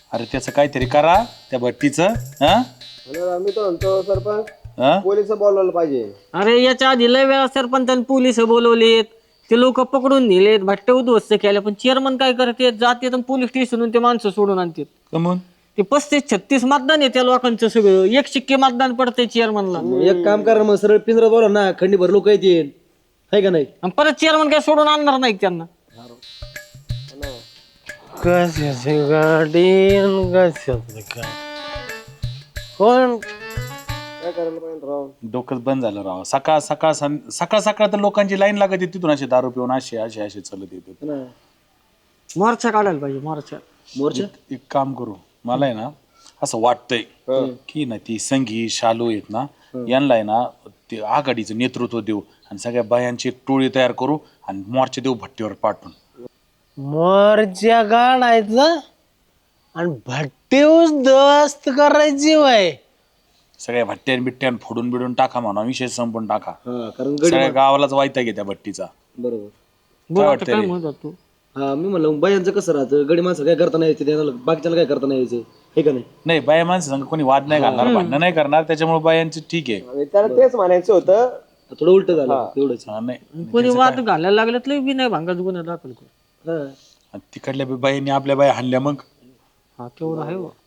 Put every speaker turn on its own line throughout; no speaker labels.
अरे त्याचं काहीतरी करा त्या भट्टीचं. हा
मी तो म्हणतो सरपंच
हा?
पोलिस बोलवायला पाहिजे.
अरे याच्या आधी लय वेळा सरपंचांनी पोलिस बोलवलेत, ते लोक पकडून नेलेत, भट्टे उद्ध्वस्त केल्या, पण चेअरमन काय करते, जाते पोलीस स्टेशनहून ते माणसं सोडून आणतात.
कमून
ते 35-36 मतदान आहे त्या लोकांचं, सगळं एक शिक्के मतदान पडतंय चेअरमनला.
एक काम करा मग सरळ पिंजरा बोला ना, खंडीभर लोक येतील आहे का नाही.
आणि परत चेअरमन काय सोडून आणणार नाही त्यांना.
कशाची गाडी आणि कशाचं काय कोण
काय करायला पाहिजे राव.
डोकंच बंद झालं राव. सकाळ सकाळ सकाळ सकाळ तर लोकांची लाईन लागत येते तिथून, असे दारू पिऊन असे चालत येते.
मोर्चा काढायला पाहिजे, मोर्चा.
मोर्चा
एक काम करू, मला आहे ना असं वाटतंय की ना ती संगी शालू आहेत ना, यांना आहे ना ते आघाडीचं नेतृत्व देऊ आणि सगळ्या बायांची एक टोळी तयार करू आणि मोर्चा देऊ भट्टीवर पाठवून.
मोर्चा काढायचा आणि भट्टी उद्ध्वस्त करायची वय.
सगळ्या भट्ट्यान बिट्ट्यान फोडून बिडून टाका म्हणा, विषय संपून टाका.
कारण
सगळ्या गावालाच वाईटा घे त्या भट्टीचा.
बरोबर.
बोल
वाटतंय
आता काय
रे?
म्हणत होता तू?
हा मी म्हणलं बायांचं कसं राहतं, गडी माणसं काय करता नाही यायचे, बाकीच्याला काय करता नाही यायचे हे का नाही.
नाही, बाया माणसं संग कोणी वाद नाही घालणार, भांडणं नाही करणार, त्याच्यामुळे बायांचं ठीक आहे.
त्याला तेच म्हणायचं होतं, थोडं उलट झालं एवढंच.
हा, नाही
कोणी वाद घालायला लागलं तर बी नाही भांगाच गुन्हा दाखल कर.
आणि तिकडल्या बायांनी आपल्या बाया हाणल्या मग.
हा तेवढं आहे बा.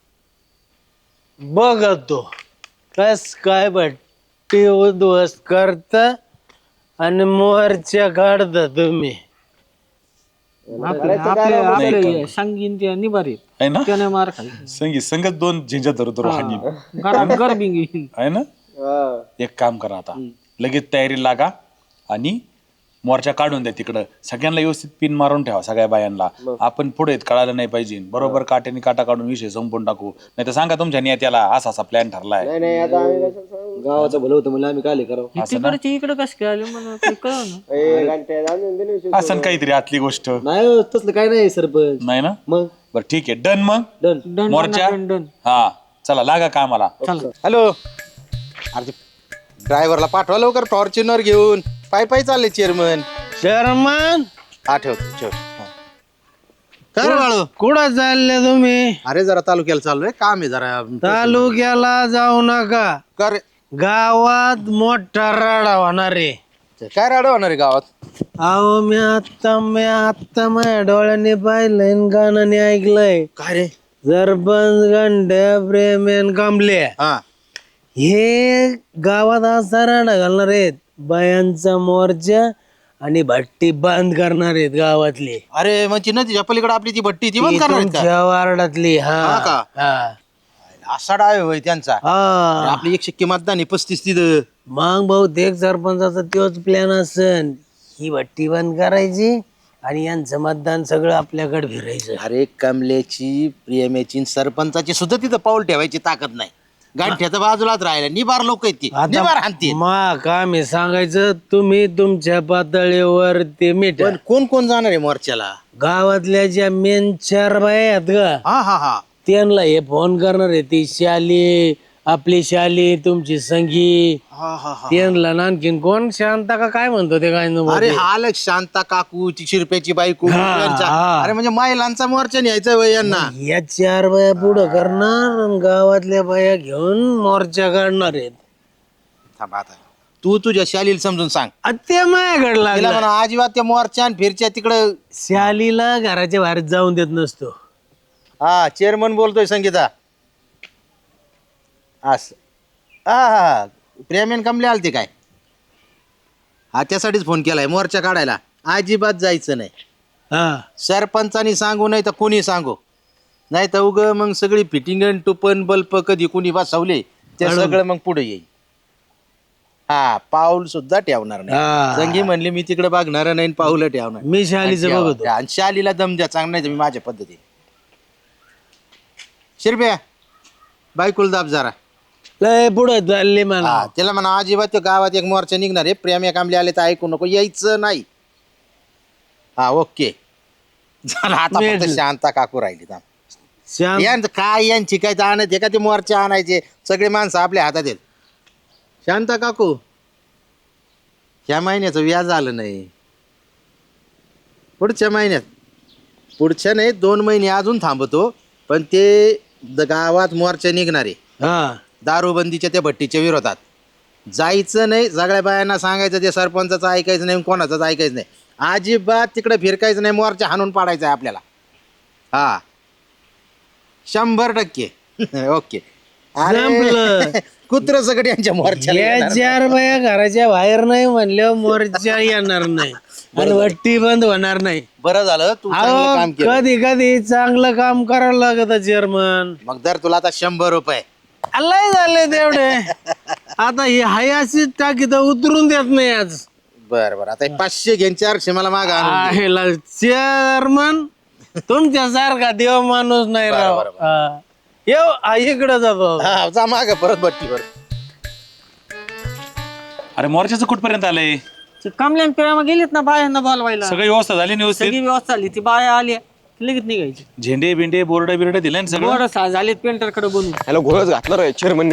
बघतो कस काय भट्टी उद्ध्वस्त करता आणि मोर्चा काढता तुम्ही.
आपले सांगीन त्या निभारीत
आहे ना,
त्याने मार खाली
संगीत दोन झिंजा धरू हानी
गरबिंगी.
आहे ना. एक काम करा आता, लगेच तयारी लागा आणि मोर्चा काढून द्या तिकडं. सगळ्यांना व्यवस्थित पिन मारून ठेवा, सगळ्या बायांना. आपण पुढे कळायला नाही पाहिजे, बरोबर काट्याने काटा काढून विषय संपून टाकू. नाही तर सांगा तुमच्या नेत्याला असा असा प्लॅन ठरलाय.
नाही आता आम्ही गावाचं भलं होतं म्हणजे आम्ही काय करावं.
तिकडचे इकडे कसं काय आले मला काही कळलं ना.
असं काहीतरी आतली गोष्ट
नाही तसलं काय नाही सरपंच.
नाही ना.
मग
बरं ठीक आहे, डन. मग
डन.
मोर्चा
डन.
हा चला लागा कामाला.
हॅलो, अरे ड्रायव्हरला पाठवा लवकर, फॉर्च्युनर घेऊन. पायी चालले चेअरमन.
शर्मन
ठेव. कर बाळू.
कुठं चालले तुम्ही?
अरे जरा तालुक्याला चाललोय, काम आहे जरा.
तालुक्याला जाऊ नका,
कर.
गावात मोठा राडा होणार आहे.
काय राड होणार आहे गावात?
अहो मी आता माझ्या डोळ्याने पाहिलंय आणि गाण्याने ऐकलंय.
काय रे?
सरपंच गंड्या प्रेमेन कमले
हा,
हे गावात असा राडा घालणार आहेत, बायांचा मोर्चा आणि भट्टी बंद करणार आहेत गावातली.
अरे म्हणजे नदीच्या पलीकडे आपली ती भट्टी ती बंद करणार आहेत का?
तुमच्या वार्डातली.
हा
हा
का?
हा
असा डाय होय त्यांचा.
हा.
अरे आपली 100 मतदान आहे, 35 तिथं.
मग बहुतेक सरपंचाचा तोच प्लॅन असन, ही भट्टी बंद करायची आणि यांचं मतदान सगळं आपल्याकडे फिरायचं.
अरे कमलेची, प्रेमेची, सरपंचाची सुद्धा तिथं पाऊल ठेवायची ताकद नाही. गांठ्याच्या बाजूलाच राहिला. निबार लोक आहेत ती, निबार हाणतील.
मा काम आहे सांगायचं, तुम्ही तुमच्या पातळीवर ते मीठ.
पण कोण जाणार आहे मोर्चाला?
गावातल्या ज्या मेन 4 बाया आहेत का,
हा
त्यांना हे फोन करणार आहे. ती शाली, आपली शाली, तुमची संगी, त्यांना आणखीन कोण शांता का काय म्हणतो ते काय
अरे हालक शांता काकू, ती शिरप्याची बायको यांचा. अरे म्हणजे महिलांचा मोर्चा न्यायचा वय यांना.
या 4 बाया पुढं करणार आणि गावातल्या बाया घेऊन मोर्चा काढणार आहेत.
थांब आता, तू तुझ्या शालीला समजून सांग.
ते माझ्याकडे
तिला
लागला.
म्हणा अजिबात त्या मोर्चा आणि फिरच्या तिकडं.
शालीला घराच्या बाहेर जाऊन देत नसतो.
हा चेअरमन बोलतोय संगीता. अस हा प्रेमेन कमले आलते काय? हा त्यासाठीच फोन केलाय, मोर्चा काढायला. अजिबात जायचं नाही.
हा
सरपंचानी सांगू नाही तर कोणी सांगू, नाही तर उग मग सगळी फिटिंग टुपन बल्ब कधी कुणी बसवले ते सगळं मग पुढे येईल. हा पाऊल सुद्धा ठेवणार
हा.
नाही. संगी म्हणली मी तिकडे बघणार नाही, पाऊल ठेवणार.
मी शालीचं बघतो.
आणि शालीला दम द्या चांग, नाही तर मी माझ्या पद्धतीने. शिरप्या बायकुल दाब जरा.
लय पुढे चालले मला.
हा त्याला म्हणा अजिबात त्या गावात एक मोर्चा निघणार आहे, प्रेम कामले आले तर ऐकू नको, यायचं नाही. हा ओके झालं. आता फक्त शांता काकू राहिली.
श्याम
यांचं काय यांची काय आणायचे का ते मोर्चा आणायचे, सगळे माणसं आपल्या हातात आहेत. शांता काकू ह्या महिन्याचं व्याज आलं नाही, पुढच्या महिन्यात. पुढच्या नाही 2 महिने अजून थांबतो, पण ते गावात मोर्चा निघणारे
हा
दारूबंदीच्या त्या भट्टीच्या विरोधात जायचं नाही. सगळ्या बायांना सांगायचं ते सरपंचाचं ऐकायचं नाही, कोणाचंच ऐकायचं नाही, अजिबात तिकडे फिरकायचं नाही, मोर्चा हाणून पाडायचा आहे आपल्याला. हा 100% ओके. कुत्र सगळं यांच्या मोर्चाला
या
येणार.
4 बाया घराच्या बाहेर नाही म्हणल्यावर मोर्चा येणार नाही आणि भट्टी बंद होणार नाही.
बरं झालं तू चांगलं काम केलं.
कधी कधी चांगलं काम करावं लागत चेअरमन.
मग दर तुला आता 100 रुपये.
लय झाले तेवढे. आता ही हाय अशी टाकी तर उतरून देत नाही आज.
बर बर आता 500 घेऊन 400 मला माग आणून दे.
चेअरमन तुमच्यासारखा देव माणूस नाही राव. येऊ इकडे जातो.
हा जा माग परत भट्टीवर.
अरे मोर्चाचं कुठपर्यंत आलंय?
ते कमल्यान पिळामा गेलीत ना बायांना बोलवायला,
सगळी व्यवस्था झाली ना व्यवस्थित?
सगळी व्यवस्था झाली. ती बाया आली लगेच निघायची.
झेंडे बिंडे बोर्ड बिर्ड दिले ना सगळं?
बरं झाले पेंटर कडे बोलून.
ह्याला घोळच घातलं रे चेअरमननी.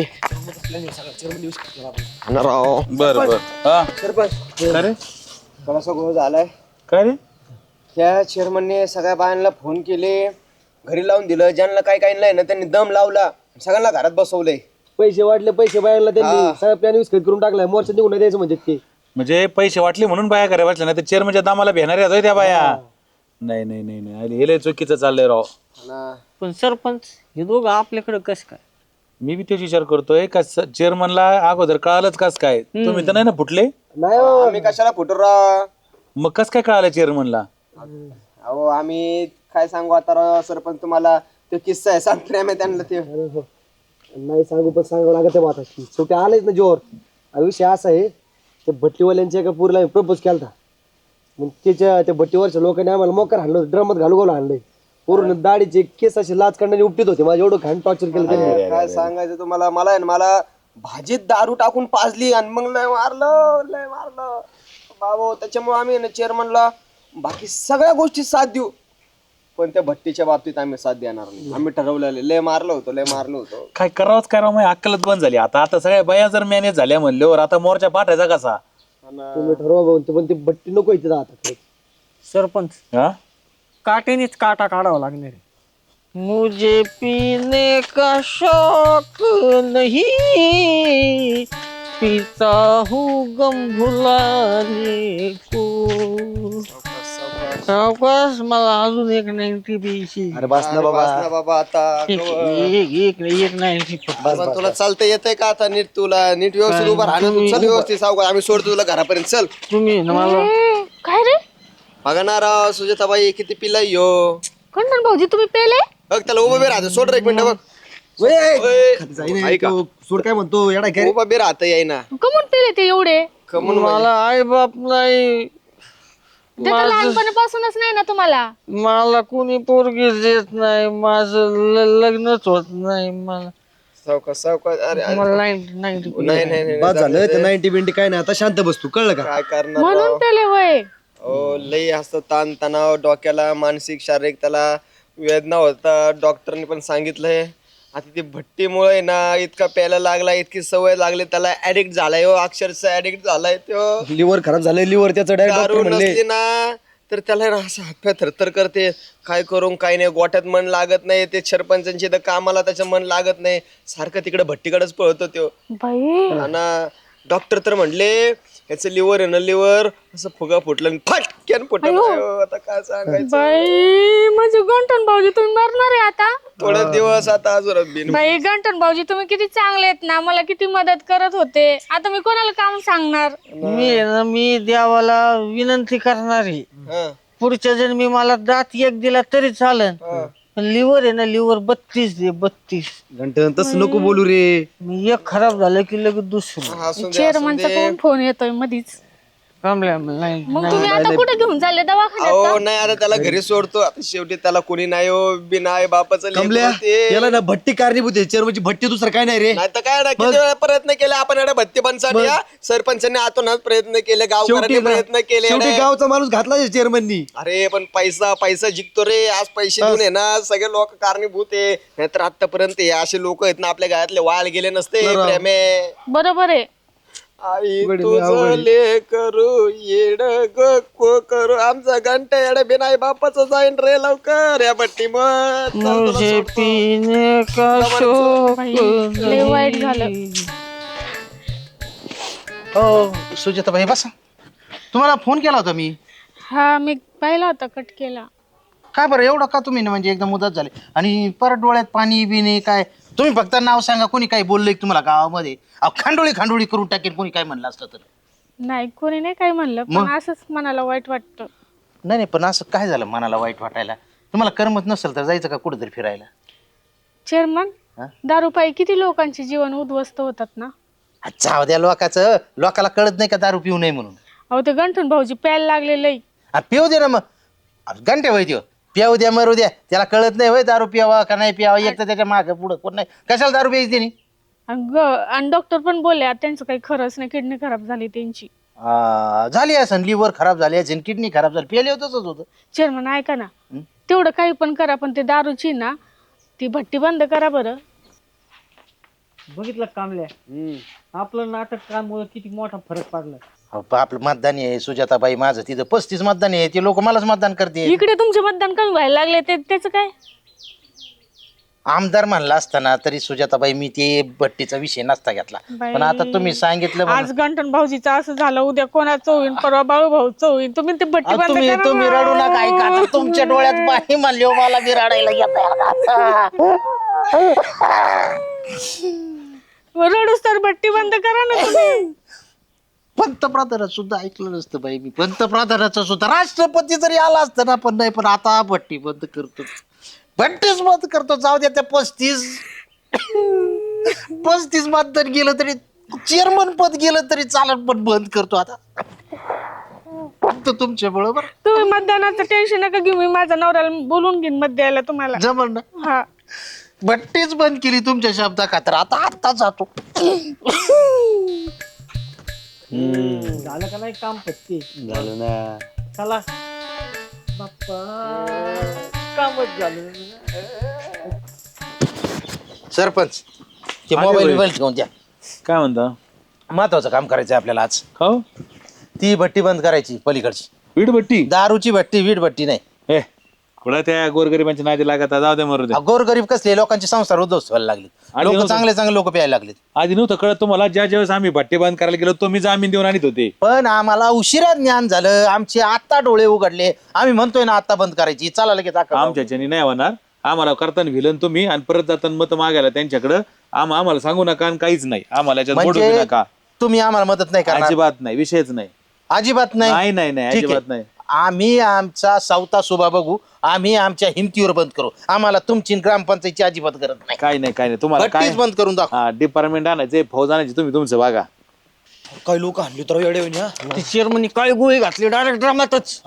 राव
बर बर. हा
थोडासा घोळ झालाय.
काय रे?
त्या चेअरमनने सगळ्या बायांना फोन केले, घरी लावून दिलं. ज्यांना काय काय नाही ना त्यांनी दम लावला, सगळ्यांना घरात बसवलंय.
पैसे वाटले, पैसे बाहेरला त्यांनी सगळं प्लॅन विस्कळीत करून टाकलाय. मोर्चा निघून नाही द्यायचं म्हणजे ते.
म्हणजे पैसे वाटले म्हणून बाया करायला वाटलं, नाही तर चेअरमनच्या दामाला भेटणार आहेत त्या बाया. नाही नाही नाही नाही, हे लय चुकीचं चाललंय राव.
पण सरपंच हे दोघं आपल्याकडे कस काय?
मी बी तेच विचार करतोय का चेअरमनला अगोदर कळालंच कस काय? तुम्ही तर नाही ना फुटले?
नाही हो.
आम्ही कशाला फुटू राव?
मग कस काय कळालं चेअरमनला?
अहो आम्ही काय सांगू आता राव सरपंच, तुम्हाला तो किस्सा आहे सांगतो आम्ही त्यांना. ते
नाही सांगू पण सांगावं लागत आहे आता. शेवटी आलेच ना जोर. विषय असा आहे, ते भट्टीवाल्यांच्या एका पुरीला प्रपोज केला. मग त्या भट्टीवरच्या लोकांनी आम्हाला मोकार हाणलं, ड्रमात घालू हाणलंय. पूर्ण दाढीचे केस असे लाच काढण्याने उपटीत होते. माझं एवढं घाण टॉर्चर केलं त्यांनी.
काय सांगायचं तुम्हाला, मला आहे ना, मला भाजीत दारू टाकून पाजली आणि मग लय मारलं बाबा. त्याच्यामुळे आम्ही ना चेअरमनला बाकी सगळ्या गोष्टी साथ देऊ, पण त्या भट्टीच्या बाबतीत आम्ही साथ देणार नाही. आम्ही ठरवलेलं लय मारलं होतं.
काय करावंच करावं, मग अक्कलच बंद झाली आता. आता सगळ्या बाया जर मॅनेज झाल्या म्हणल्यावर आता मोर्चा पाठायचा कसा?
तुम्ही ठरवा भाऊ, पण ती भट्टी नको इथे आता.
सरपंच
हा
काटेनेच काटा काढावा लागणार आहे. मुझे पीने का शौक नहीं, पीता हूँ गम भुलाने को. सावकाश, मला अजून एक 90 प्यायची.
अरे बस ना
बाबा आता
एक 90.
पण तुला चालता येतंय का आता? नीट तुला नीट व्यवस्थित उभा राहणं. चल व्यवस्थित सावकाश, आम्ही सोडतो तुला घरापर्यंत. चल
तुम्ही ना मला
काय रे
बघा ना राव, सुजाताबाई किती पिला यो.
कंटन भाऊजी तुम्ही पेले?
बघ त्याला उभं बी राहतं. सोड रे एक मिनिट बघ. ऐका
सोड काय म्हणतो येडा काय.
उभा बी राहतं येईना.
कमून पेले ते एवढे?
कमून
मला आई बाप नाही,
ते तर लहानपणापासूनच नाही ना तुम्हाला?
मला कोणी पोरगी देत नाही, माझं लग्नच होत नाही. मला
सावकाश. अरे
मला 90
नाही
बाद झालं ते 90 बिंटी काय नाही. आता शांत बस तू, कळलं का?
काय करणार
म्हणून पेले वय?
हो लई असतं ताण तणाव डोक्याला, मानसिक शारीरिक त्याला वेदना होता. डॉक्टरने पण सांगितलंय. आता ती भट्टीमुळे ना इतका प्यायला लागला, इतकी सवय लागली त्याला, ऍडिक्ट झालाय हो, अक्षरशः ऍडिक्ट झालाय तो.
लिव्हर खराब झालंय. लिव्हर त्याचं
दारू
डायरेक्ट म्हणले.
नसली ना तर त्याला ना असं हातपाय थरथर करते. काय करून काय नाही, गोठ्यात मन लागत नाही. ते सरपंचांची तर कामाला त्याचं मन लागत नाही, सारखं तिकडे भट्टीकडेच पळतो तो.
बाई
आणि डॉक्टर तर म्हणले याचं लिव्हर आहे ना, लिव्हर असं फुगा फुटलं आणि फटक्यान फुटलं. आता काय सांगायचं.
बाई म्हणजे गंटन भाऊजी तुम्ही मरणार आहे आता?
थोडे दिवस आता अजून बिन.
बाई गंटन भाऊजी तुम्ही किती चांगले आहेत ना, मला किती मदत करत होते. आता मी कोणाला काम सांगणार?
मी देवाला विनंती करणार आहे,
हा.
पुढच्या जन्मी मला दात एक दिला तरी चालेल, पण लिव्हर आहे ना, लिव्हर 32 दे. 32
घंटन तसं नको बोलू रे.
मी एक खराब झालं की लगेच दुसरं.
असू दे,
चेअरमनचा कोण फोन येतोय मधीच?
नाही
मग तुम्ही आता कुठे घेऊन चालले? दवाखान्यात का?
अहो नाही आता त्याला घरी सोडतो. आता शेवटी त्याला कोणी नाही हो, बिना आई बापाचं
कमल्या
लेकरं ते.
याला ना भट्टी कारणीभूत आहे. चेअरमनची भट्टी दुसरं काय नाही रे.
नाही तर काय ना, किती वेळा प्रयत्न केले आपण एवढ्या भत्ती बनसाठी. सरपंचांनी आतोनात प्रयत्न केले, गावकऱ्यांनी प्रयत्न केले.
शेवटी गावचा माणूस घातला चेअरमननी.
अरे पण पैसा जिंकतो रे. आज पैसे देऊन आहे ना सगळे लोक कारणीभूत आहे. नाहीतर आतापर्यंत हे असे लोक आहेत ना आपल्या गावातले वाळ गेले नसते. प्रेमे
बरोबर आहे.
आई तुझं ले करू येड गो करू आमचा घंटा येड बिनाई बापाचं जाईन रे लवकर या भट्टी मत
मुझे पीने का शौक
लय वाईट झालं.
हो सुजाताबाई बसा. तुम्हाला फोन केला होता मी.
हा मी पाहिला होता, कट केला.
काय बरं एवढं का तुम्ही म्हणजे एकदम मुदत झाले आणि परत डोळ्यात पाणी बिणी काय? तुम्ही फक्त नाव सांगा, कोणी काय बोललंय तुम्हाला गावामध्ये? अहो खांडोळी करून टाकेल कोणी काय म्हणलं असतं तर.
नाही कोणी नाही काय म्हणलं, पण असंच मनाला वाईट वाटतं.
नाही पण असं काय झालं मनाला वाईट वाटायला? तुम्हाला करमत नसेल तर जायचं का कुठेतरी फिरायला?
चेअरमन,
हा?
दारूपायी किती लोकांचे जीवन उद्ध्वस्त होतात ना.
जाऊ द्या लोकांचं, लोकाला कळत नाही का दारू पिऊ नये म्हणून.
अहो ते गंठन भाऊजी प्यायला लागलेलं.
पिऊ दे ना मग, घंटे वय देऊ पिऊ द्या मरू द्या, त्याला कळत नाही वय दारू पियावा का नाही पियावा. एक तर त्याच्या मागं पुढं कोण नाही, कशाला दारू प्यायची त्यांनी?
आणि डॉक्टर पण बोलले त्यांचं काही खरंच नाही, किडनी खराब झाली त्यांची.
झाली असेल, लिव्हर खराब झाली असेल, किडनी खराब झाली, पिले होतच होतं.
चेअरमन ऐका ना, तेवढं काही पण करा, पण ते दारूची ना ती भट्टी बंद करा बरं.
बघितलं कामल्या, आपलं नाटक काममुळे किती मोठा फरक पडला.
आपलं मतदान आहे सुजाताबाई, माझं तिथं 35 मतदान आहे, ते लोक मलाच मतदान करते.
इकडे तुमचे मतदान कमी व्हायला लागले, त्याचं काय?
आमदार म्हणला असताना तरी सुजाताबाई मी ते भट्टीचा विषय नसता घेतला, पण आता तुम्ही सांगितलं
आज गंठन भाऊजीचं असं झालं, उद्या कोणाचं होईन, परवा बाळू भाऊचं होईन. तुम्ही ते भट्टी बंद
तुम्ही
करा
तुम्ही
ना.
रडू नका. ऐका आता, तुमच्या डोळ्यात पाणी म्हणले हो, मला बी रडायला
रडूस तर भट्टी बंद करा ना तुम्ही.
पंतप्रधानात सुद्धा ऐकलं नसतं बाई मी, पंतप्रधानाचं सुद्धा. राष्ट्रपती जरी आला असतं ना, पण नाही. पण आता भट्टी बंद करतो, भट्टीच बंद करतो. जाऊ द्या त्या 35 मतदान गेलं तरी, चेअरमन पद गेलं तरी चालत, पण बंद करतो आता फक्त तुमच्या बरोबर.
तुम्ही मतदानाचं टेन्शन नका घेऊ, मी माझ्या नवऱ्याला बोलून घेईन मत द्यायला तुम्हाला.
जमल ना?
हा,
भट्टीच बंद केली तुमच्या शब्दा खातर. आता जातो.
झालं का नाही काम पत्ती?
झालं ना.
चला बाप्पा, कामच झालं.
सरपंच ते मोबाईल घेऊन द्या.
काय म्हणता?
महत्वाचं काम करायचं आपल्याला आज.
खाऊ
ती भट्टी बंद करायची पलीकडची,
वीटभट्टी.
दारूची भट्टी, वीट भट्टी नाही.
हे कुठं त्या गोरगरिबांच्या नादी लागत, जाऊ दे मरू दे.
गोरगरीब कसले लोकांची संसार उद्ध्वस्त व्हायला लागली, लोक चांगले लोक प्यायला लागले.
आधी नव्हतं कळत तुम्हाला? ज्या ज्यावेळेस आम्ही भट्टी बंद करायला गेलो तो मी जामीन देऊन आणत होते.
पण आम्हाला उशिरा ज्ञान झालं, आमचे आता डोळे उघडले. आम्ही म्हणतोय ना आता बंद करायची, चला लगेच.
आमच्याच्यानी नाही होणार. आम्हाला करताना भिलन तुम्ही आणि परत जाताना मत मागायला त्यांच्याकडं. आम्हाला सांगू नका आणि काहीच नाही. आम्हाला याच्यात बोलू
म्हणजे
नका.
तुम्ही आम्हाला मदत नाही करणार?
अजिबात नाही, विषयच नाही.
अजिबात
नाही
नाही.
नाही नाही,
ठीक आहे.
अजिबात नाही.
आम्ही आमचा सावता शोभा बघू, आम्ही आमच्या हिमतीवर बंद करू. आम्हाला तुमची ग्रामपंचायतची अजिबात गरज नाही.
काय नाही काय नाही. तुम्हाला काय
भट्टीच बंद करून दाखव.
हा, डिपार्टमेंट आणायचे, फौज आणायची, तुम्ही तुमचं बघा.
काही लोक आणले तर येडे होईन हा.
ती चेअरमनी काय गोळी घातली डायरेक्ट ड्रामातच.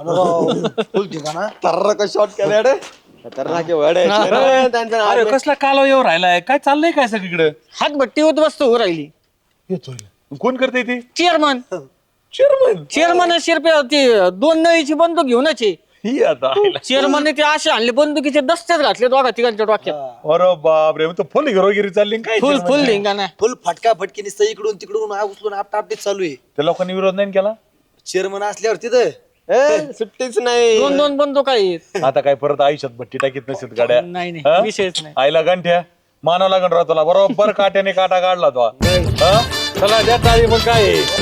तर्र शॉट केला रे, तर्रा के वडे त्यांचं नाव.
अरे कसला कालवा येऊ राहिलाय? काय चाललंय काय सगळीकडे?
हात भट्टी होत बसतो राहिली.
कोण करते ते?
Chairman
chairman.
चेअरमन शिरपे ते 2 नळीची बंदूक घेऊनच आहे.
ही आता
चेअरमनने ते असे आणले, बंदुकीचे दस्तेच घातले दोघा तिघांच्या डोक्यात.
अरे बापरे, मग तो फुल हिरोगिरी चालली ना काय?
फुल धिंगाणा.
फुल फटका फटकी नुसतं इकडून तिकडून उचलून आपटापटीच चालू आहे.
त्या लोकांनी विरोध नाही केला.
चेअरमन असल्यावर तिथं
सुट्टीच नाही.
2 बंदूक आहेत.
आता काय परत आयुष्यात भट्टी टाकीत नसेल गाड्या?
नाही
हा?
नाही, विषयच नाही.
आईला गंठ्या मानावं लागण राहतो बरोबर. काट्याने काटा काढला तो. हा? चला द्या टाळी. मग काय आहे?